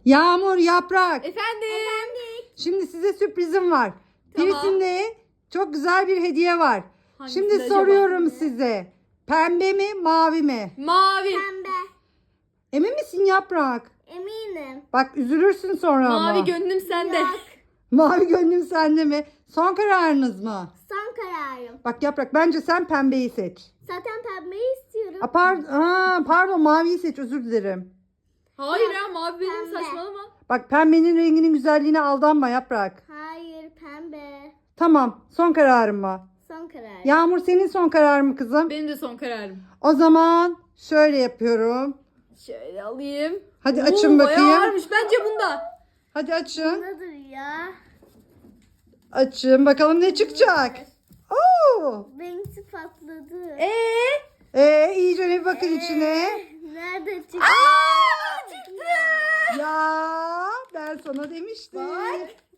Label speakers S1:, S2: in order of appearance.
S1: Yağmur, Yaprak.
S2: Efendim.
S1: Şimdi size sürprizim var.
S2: Tamam.
S1: Birisinde çok güzel bir hediye var.
S2: Hangisi
S1: Şimdi
S2: acaba?
S1: soruyorum size. Pembe mi, mavi mi?
S2: Mavi.
S3: Pembe.
S1: Emin misin Yaprak?
S3: Eminim.
S1: Bak üzülürsün sonra ama.
S2: Mavi gönlüm sende.
S3: Yok.
S1: Mavi gönlüm sende mi? Son kararınız mı?
S3: Son kararım.
S1: Bak Yaprak bence sen pembeyi seç.
S3: Zaten pembeyi istiyorum.
S1: Pardon maviyi seç, özür dilerim.
S2: Hayır ya, mavi benim,
S3: Pembe.
S2: saçmalama.
S1: Bak pembenin renginin güzelliğine aldanma Yaprak.
S3: Hayır, pembe.
S1: Tamam, son kararım mı?
S3: Son kararım.
S1: Yağmur senin son kararın mı kızım?
S2: Benim de son kararım.
S1: O zaman şöyle yapıyorum.
S2: Şöyle alayım.
S1: Hadi
S2: Oo,
S1: açın
S2: bayağı
S1: bakayım.
S2: ağırmış bence bunda.
S1: Hadi açın.
S3: Nedir ya?
S1: Açın bakalım ne çıkacak. Oo!
S3: Benimki patladı.
S1: İyice bir bakın içine.
S3: Nerede çıktı?
S2: Aa, çıktı.
S1: Ya ben sana demiştim.